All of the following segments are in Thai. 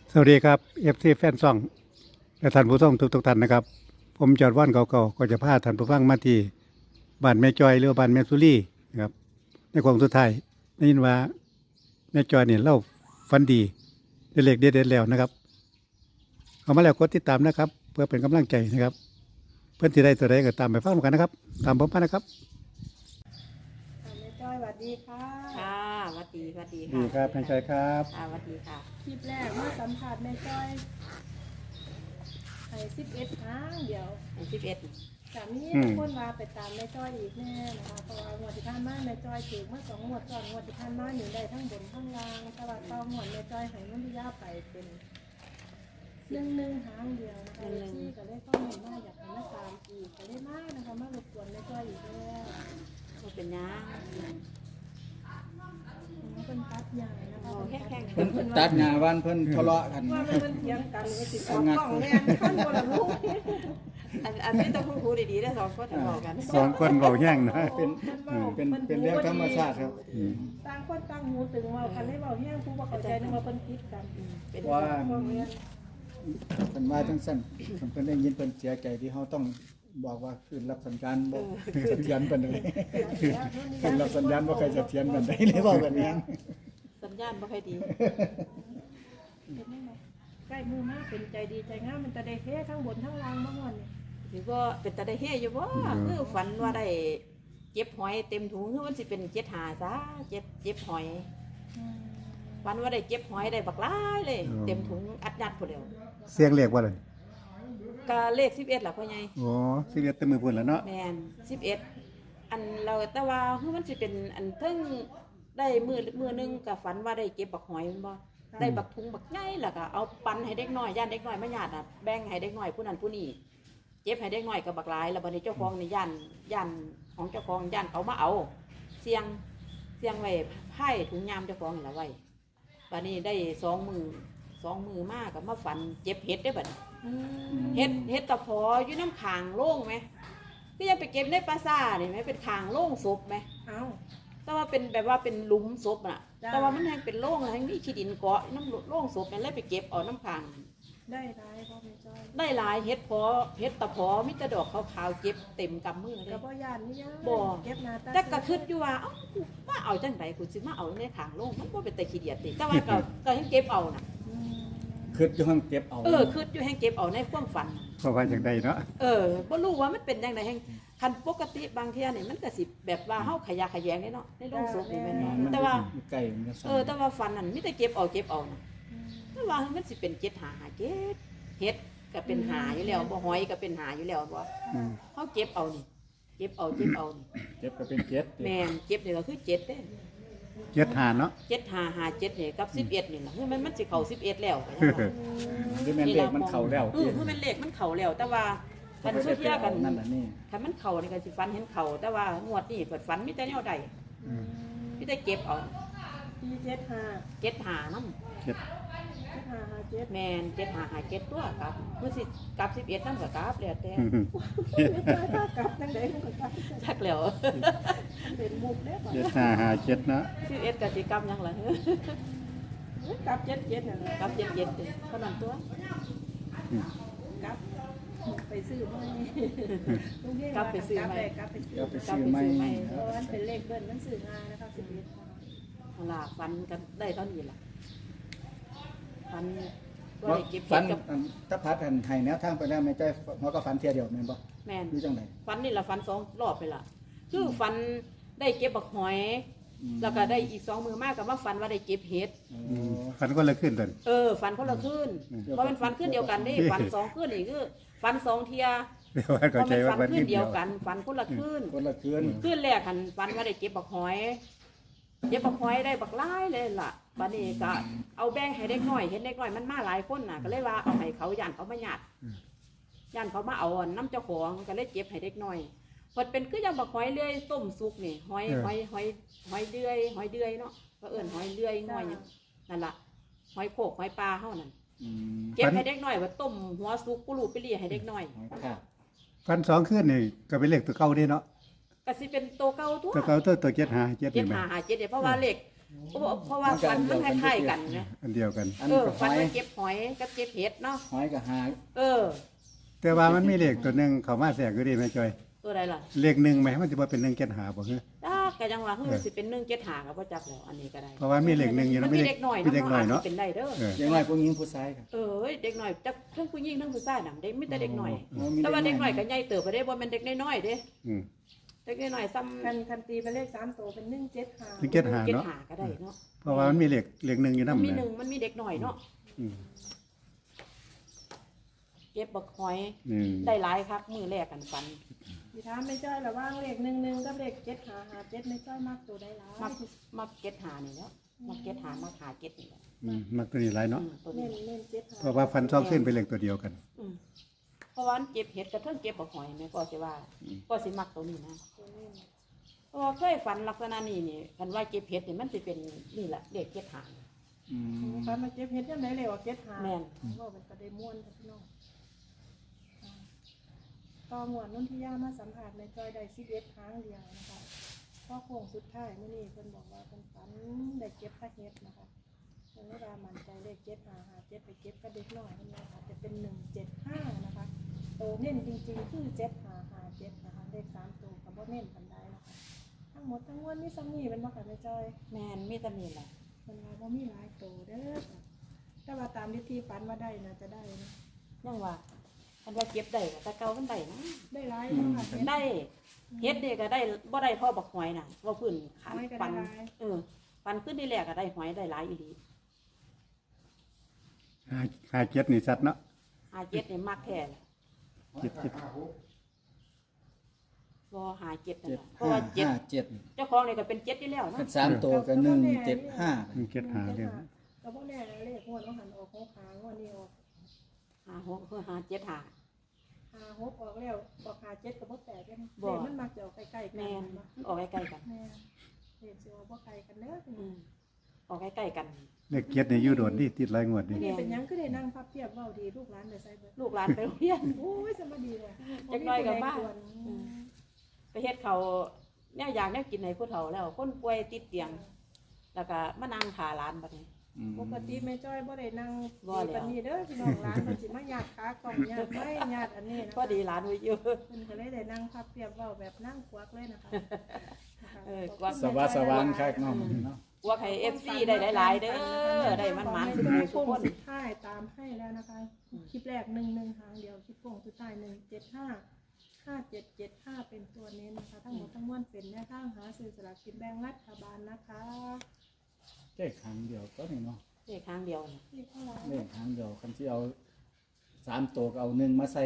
สวัสดีครับFCแฟนซองและท่านผู้ชมทุกท่านนะครับผมจอดว่านเก่าๆก็จะพาท่านผู้ฟังมาที่บ้านแม่จอยหรือว่าบ้านแม่สุรีนะครับในของสุดท้ายได้ยินว่าแม่จอยเนี่ยเล่าฟันดีได้เลขเด็ดๆแล้วนะครับเข้ามาแล้วกดติดตามนะครับ เพื่อเป็นกำลังใจนะครับ เพื่อนที่ได้ตัวใดก็ตามไปฟังกันนะครับ ตามผมมานะครับแม่จ้อยสวัสดีค่ะค่ะสวัสดีสวัสดีดีครับแม่จอยครับค่ะสวัสดีค่ะคลิปแรกมาสัมผัสแม่จ้อยไอ้11 ครั้งเดียว 11 สามีคนมาไปตามแม่จ้อยอีกแน่นะคะเพราะว่างวดที่ผ่านมาแม่จ้อยถูกมา2 งวดก่อนงวดที่ผ่านมาอยู่ได้ทั้งบนทั้งล่างแต่ว่าต่องวดแม่จ้อยให้มันพิยาไปเป็น1 หางเดียวนะคะที่ก็เลยข้อมูลมาอยากให้มาตามอีกก็เลยมานะคะมารบกวนแม่จ้อยอีกแล้วก็เป็นยังเป็นตัดใหญ่นะคะแข็งเพิ่นตัดหน้าวันเพิ่นทะเลาะกันว่ามันเถียงกันเลยสิออกกล้องแม่นขั้นบนละลูกอันนี้ต้องพูดดีๆได้สองคนจะบอกกันสองคนเบาแย่งนะเป็นเรื่องธรรมชาติครับต่างคนต่างหูตึงเว่าคันได้เบาแห้งผู้ว่าเข้าใจนึกว่าเพิ่นคิดกันเป็นว่าพวกเนี้ยเพิ่นว่าจังซั่นเพิ่นได้ยินเพิ่นเสียใจที่เฮาต้องบอกว่าคืนรับสัญญาณบ่เสถียรปานใดคืนรับสัญญาณบ่ค่อยเสถียรปานใดเลยเว้ากันแม่นสัญญาณไม่ค่อยดีใกล้มือมากเป็นใจดีใจงามมันจะได้เฮ้ทั้งบนทั้งล่างบ้างวันเนี่ยหรือว่าเป็นตาได้เฮอยู่บ่คือฝันว่าได้เก็บหอยเต็มถุงคือมันสิเป็น7 หาซะเจ็บหอยฝันว่าได้เก็บหอยได้บักหลายเลย เต็มถุงอัดยัดพุ่นเดียวเสียงเลขว่าเลยก็เลข11ล่ะพ่อใหญ่โอ้สิเรียกเต็มมือพุ่นแล้วเนาะแม่น11อันเราแต่ว่าคือมันสิเป็นอันเทิงได้มือนึงก็ฝันว่าได้เก็บบักหอยแม่นบ่ได้บักถุงบักใหญ่แล้วก็เอาปันให้เด็กน้อยย่านเด็กน้อยมาญาติน่ะแบ่งให้เด็กน้อยผู้นั้นผู้นี้เก็บให้เด็กน้อยก็บักหลายแล้วบัดนี้เจ้าของนี่ย่านของเจ้าของย่านเขามาเอาเสียงไว้ไผ่ถุงยามเจ้าของนี่ล่ะไว้บัดนี้ได้2 มือมากก็มาฝันเจ็บเห็ดได้บัดนี้ เฮ็ดตะพออยู่น้ำขางโล่งไหมก็ยังไปเก็บในปราสาทนี่ไหมเป็นขางโล่งศพไหมเอ้าแต่ว่าเป็นแบบว่าเป็นหลุมศพน่ะจ้าแต่ว่ามันแห้งเป็นโล่งทั้งนี้ขี้ดินเกาะน้ำโล่งศพนั่นเลยไปเก็บเอาน้ำขางได้ร้ายพ่อแม่จ้อยได้หลายเฮ็ดตะพอมิตรดอกขาวๆเก็บเต็มกำมือเลกระยเพาะยานนี่ยังบ่เก็บนาตาแต่ก็คิดอยู่ว่าเอ้ากูมาเอาจังไดกูสิมาเอาในขางโล่งมันบ่เป็นแต่ขี้เดียดติแต่ว่าก็ให้เก็บเอาน่ะคืออยู่ห้องเก็บเอาคิดอยู่ให้เก็บเอาในความฝันเพราะว่าอย่างใดเนาะบ่รู้ว่ามันเป็นจังไดแห่งคันปกติบางเที่ยนี่มันก็สิแบบว่าเฮาขยะแขยงนี่เนาะในโรงศพนี่แม่นบ่มันแต่ว่าอยู่ใกล้มันก็สั่นแต่ว่าฟันนั่นมีแต่เก็บเอานะแต่ว่ามันสิเป็น7 หาเจ็ดเฮ็ดก็เป็นหาอยู่แล้วบ่หอยก็เป็นหาอยู่แล้วบ่อืมเฮาเก็บเอานี่เก็บเอานี่เก็บก็เป็นเก็บแม่นเก็บนี่ก็คือ7เด้เจ็ดหาเนาะ 7 หา7นี่กับ11นี่ล่ะคือมันสิเข้า11แล้วก็ยังว่าหรือแม่นเลขมันเข้าแล้วคือมันเลขมันเข้าแล้ว แต่ว่าคันสุเทียกันนั่นน่ะนี่คันมันเข้านี่ก็สิฟันเห็นเข้าแต่ว่างวดนี้เปิดฟันมีแต่แนวใดมีแต่เก็บเอาปี75 7 หานำเจ็ด 7557 แม่น7 หา7ตัวครับมื้อสิกลับ11นำก็กลับแล้วแต่ไม่จ้อยถ้ากลับจังได๋มันก็กลับจักแล้วเป็นมุกเด้อเจ็ดห้าหาเจ็ดเนาะ 11ก็สิกลับหยังล่ะกลับ77นั่นแหละกลับ77เด้อเท่านั้นตัวกลับไปซื้อใหม่กลับไปซื้อใหม่กลับไปซื้อก็ไปซื้อใหม่เพราะว่ามันเป็นเลขเบิ้ลมันซื้อง่ายนะคะ11 เอาล่ะฟันกันได้เท่านี้ล่ะฟันก็ว่าได้เก็บฝันกับอันถ้าพัดอันให้แนวทางไปแล้วแม่จ้อยเฮาก็ฝันเที่ยเดียวแม่นบ่แม่นอยู่จังได๋ฟันนี่ล่ะฟัน2 รอบไปล่ะคือฟันได้เก็บบักหอย แล้วก็ได้อีก2 มือมากก็มาฟันว่าได้เก็บเห็ดฟันก็เลยขึ้นตันฟันคนละคืนเพราะมันฟันคืนเดียวกันนี่ฟัน2 คืนนี่คือฟัน2 เที่ยเดี๋ยวว่าเพเข้าราะใจมันว่าฟันฟันคืขึ้นนเดีเดียยว วกันฟันคนละคืนคนละคืนคืนแรกหันฟันว่าได้เก็บบักหอยได้บักหลายเลยล่ะบัดนี้ก็เอาแบ่งให้เด็กน้อยเห็นเด็กน้อยมันมาหลายคนน่ะก็เลยว่าเอาให้เขาย่านเขามาญาติย่านเขามาเอาน้ำเจ้าของก็เลยเก็บให้เด็กน้อยพอเป็นคือยังบักหอยเลื่อยต้มสุกนี่หอยเลื่อยเนาะก็เอิ้นหอยเลื่อยน้อยเนี่ยนั่นล่ะหอยโขกหอยปลาเฮานั่นอืมเก็บให้เด็กน้อยว่าต้มหัวสุกกุลูไปเลียให้เด็กน้อยหอยค่ะฟันสองขึ้นนี่ก็เป็นเลขตัวเก่าเด้เนาะก็สิเป็นโตเก่าตัวตัวเก่าตัวเจ็ดหาเจ็ดเจ็นี่ดแม่หาเจ็ดเนี่ยเพราะว่าเลขเพราะว่าฝันมันคล้ายๆกันนะอันเดียวกันอันนี้ก็หฝันอยว่าเก็บหอยกับเก็บเห็ดเนาะหอยกับหายเออแต่ว่ามันมีเลขตัวหนึงเข้ามาแทรกอยู่ดีแม่จอยตัวใดล่ะเลขหนึ่งไหมมันจะบ่เป็น1 7 5บ่คือจ้าก็จังว่าเฮ้ยสิเป็น1 7 5ก็บ่จักแล้วอันนี้ก็ได้เพราะว่ามีเลขหนึ่งอยู่มันะนมีเด็กหน่อยมีเด็กหน่อยเนาะเนาะเป็นได้เด้อเอออย่างไรพวกหญิงผู้ชายครับเออเด็กหน่อยจักทั้งผู้หญิงทั้งผู้ชายน่ะเด็กมีแต่เด็กหน่อยอ๋อมีแต่ว่าเด็กหน่อยน้ก็ใหญ่เติบไปได้บ่แม่นเด็กน้อยๆเด้อืมเด็กน้อยๆซ้ำคันตีเป็นเลข3ตัวเป็น175 1 7 5 เก็บเนาะหาก็ได้เนาะเพราะว่ามันมีเลขหนึ่งอยู่มันนำมีหนึ่นะงมันมีเด็กหน่อยเนาะอืมเก็บบักหอยอืมได้หลายคักมือแรกกันฝันสิถามแม่จ้อยระหว่างเลข11กับเลข7557แม่จ้อยมักตัวใดหลายมักเก็บหานี่แล้วมักเก็บหามักหาเก็บนี่แหละมักตัวนี้หลายเนาะตัวเน้นี้น75 เพราะว่าฟันซองขึ้นเป็นเลขตัวเดียวกันเพราะว่ามันเก็บเห็ดกระเทิงเก็บบักหอยแม่ก็สิว่าก็สิมักตัวนี้นะตัวเน้นเพราะว่าเคยฝันลักษณะนี้นี่คันว่าเก็บเห็ดนี่มันสิเป็นนี่แหละเด็กเก็บหาอืมคันมาเก็บเฮ็ดยังไดเลยว่าเก็บหาแม่นว่าเป็นประเด็นม่วนค่ะพี่น้องต่อหมวดนุ่นที่ย่ามาสัมผัสในจอยได้11ครั้งเดียวนะคะพอโค้งสุดท้ายมื้อนี้เพิ่นบอกว่าเพิ่นฝันได้เก็บพระเฮ็ดนะคะเพิ่นเลยว่ามั่นใจเลข757ไปเก็บกับเด็กน้อยนั่นแหละค่ะจะเป็น175นะคะโตเน้นจริงๆคือ7557นะคะเลข3ตัวก็บ่เน้นปานใดนะคะทั้งหมดทั้งมวลมีซ้ำนี่เป็นบ่ค่ะแม่จอยแม่นมีแต่นี่แหละมันว่าบ่มีหลายโตเด้อค่ะแต่ว่าตามที่ฝันว่าได้น่าจะได้นะยังว่าคันว่าเก็บได้ก็แต่เก่ามันได้นะได้หลายเนาะค่ะเฮ็ดได้เฮ็ดนี่ก็ได้บ่ได้เท่าบักหอยน่ะว่าพื้นขันหอยก็ได้ปันหลายปันขึ้นที่แรกก็ได้หอยได้หลายอีหลีหาเจ็ดนี่สัตว์เนาะหาเจ็ดนี่มักแท้ล่ะเจ็ดบ่หาเจ็ดนั่นเจ็ดล่ะเพราะว่าเจ็ดเจ็ดเจ้าของนี่ก็เป็นเจ็ดอยู่แล้วเป็เนาะน3ตัวก็175 1 7 5เรื่องก็บ่แน่นะเลขงวดต้องหันออกของขางวดนี้ออกหาหกคือหาเจ็ดหา 6ออกแล้วออก7ก็บ่แปลกเด้บ่เลขมันมักจะออกใกล้ๆกัแม่นนมันออกใกล้ๆกันแม่นเลขสิออกบ่ไกลกันเด้อพี่อืน้องมออกใกล้ๆกันเลขเจ็ดนี่อยู่โดดนี่ติดหลายงวดนี่นี่เป็นหยังคือได้นั่งพับเพียบเว้าดีลูกหลานได้ใส่เบิดลูกหลานไปโรงเรียนโอ้ยสมาดีเลยจักหน่อยก็บ้าบ่มีผู้ใดกวนไปเฮ็ดเขาแนวอยากแนวกินให้ผู้เฒ่าแล้ว คนป่วยติดเตียง แล้วก็มานั่งหาหลานบัดนี้ปกติแม่จ้อยบ่ได้นั่งบ่แล้วปานนี้เด้อพี่น้องหลานมันสิมาญาติขากล่องญาติไม้ญาติอันนี้นะพอดีหลานไว้เยอะเพิ่นก็เลยได้นั่งพับเพียบเว้าแบบนั่งควักเลยนะคะนะคะเออควักสวัสดิ์สวรรค์คักเนาะเนาะพวกให้ FC ได้หลายๆเด้อได้มันๆทุกผู้ทุกคนสุดท้ายตามให้แล้วนะคะ คลิปแรก11หางเดียวคลิปโป่งสุดท้าย1755775เป็นตัวเน้นนะคะ ทั้งหมดทั้งมวลเป็นแนวทางหาซื้อสลากกินแบ่งรัฐบาลนะคะเลขครั้งเดียวก็นี่เนาะเลขครั้งเดียวน่ะนี่ข้างหลังเลขครั้งเดียวคันที่เอา3ตัวก็เอา1มาใส่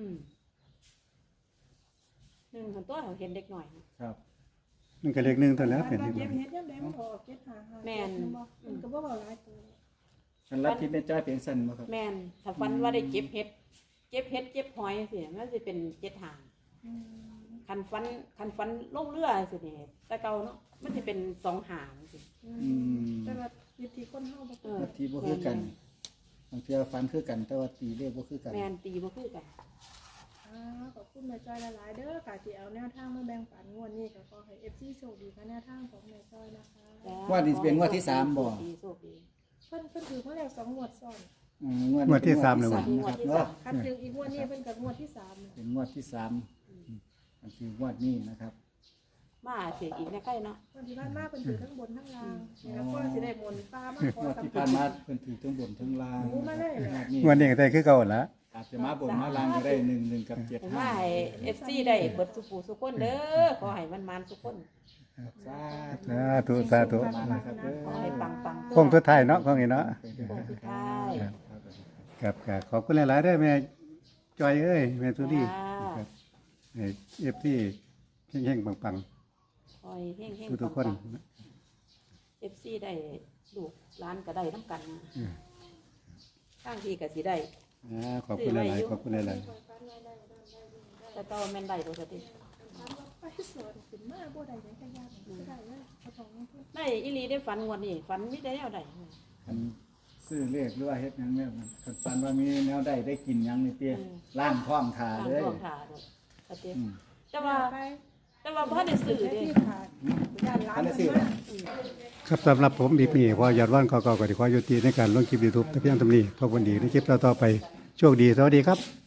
หนึ่งคนตัวเขาเห็นเด็กหน่อยนะครับมันก็เลขหนึ่งตัวแล้วเป็นเก็ที่บเฮ็ดยังได้มันออก755 แม่นมันก็บ่เว้าหลายตัวคันรับที่แม่จ้อยเป็นสั่นบ่ครับแม่นถ้าฟันว่าได้เก็บเห็ดเก็บหอยสิมันสิเป็นเจ็ดหางอืมคันฟันลงเรือสินี่แต่เก่าเนาะมันสิเป็นสองหางสิแต่ว่าวิธีคนเฮาบ่เอคืออที่บ่คือกันบางเทื่อฟันคือกัน แต่ว่าตีเลขบ่คือกันแม่นตีบ่คือกันขอบคุณแม่จ้อยหลายๆเด้อค่ะที่เอาแนวทางมาแบ่งปันงวดนี้ก็ขอให้ FC โชคดีกับแนวทางของแม่จ้อยนะคะจ้งวดนี้เป็นงวดที่สามบ่โชคดีเพิ่นถือมาแล้ว2งวดซ้อนงวดที่3เลยงว่ะวดที่นะครับสามเนาะคันถืออีกงวดนี้เพิ่นกับงวดที่3แล้วเป็นงวดที่3อันคืองวดนี้นะครับมาเสียอีกนะใกล้เนาะวันที่ผ่านมาเพิ่นถือทั้งบนทั้งล่างนี่แล้วก็สิได้มนต์ปลามาขงอวดกับที่ผ่านมาเพิ่นถือทั้งบนทั้งล่างโอ้มาเลยเหรอนี้งวดนี้ก็ได้คือเก่าละอาจจะมาบนมาล่างก็ได้1กับผมว่าให้ FC ได้เบิดสุปูสุคนเด้อขอให้มันๆสุคน 75 สาธุสาธุนะครับเด้อขอให้ปังๆคงสุดท้ายเนาะของนี้เนาะโค้งสุดท้ายครับครับขอบคุณหลายๆเด้อแม่จอยเอ้ยแม่สุรีครับให้เอฟที่แห่งๆปังคอยเฮงๆทุกๆคน FC ได้ลูกร้านก็ได้น้ำกันนะข้างที่ก็สิได้ขอบคุณหลายๆขอบคุณหลายแต่ก็แม่นได้ปกติไปสวนขึ้นมาบ่ได้หยังก็ยากบ่ได้เลยเอาของเพิ่นได้อีหลีได้ฝันงวดนี้ฝันมีได้แนวใดคันซื้อเลขหรือว่าเฮ็ดหยังแม่นคันฟันว่ามีแนวใดได้กินหยังนี่เตี้ยล่างท้องทาทางเลยท้องถ่าดอกปกติอืมแต่ว่าไปแต่ว่าบ่ได้ซื้อได้เด้ที่ขาดย่านร้านมันมากครับสำหรับผมบีนี่พอยอดว่านเก่าๆก็ได้ขอยุติในการลงคลิป YouTube แต่เพียงเท่านี้พบกันดีในคลิปต่อๆไปโชคดีสวัสดีครับ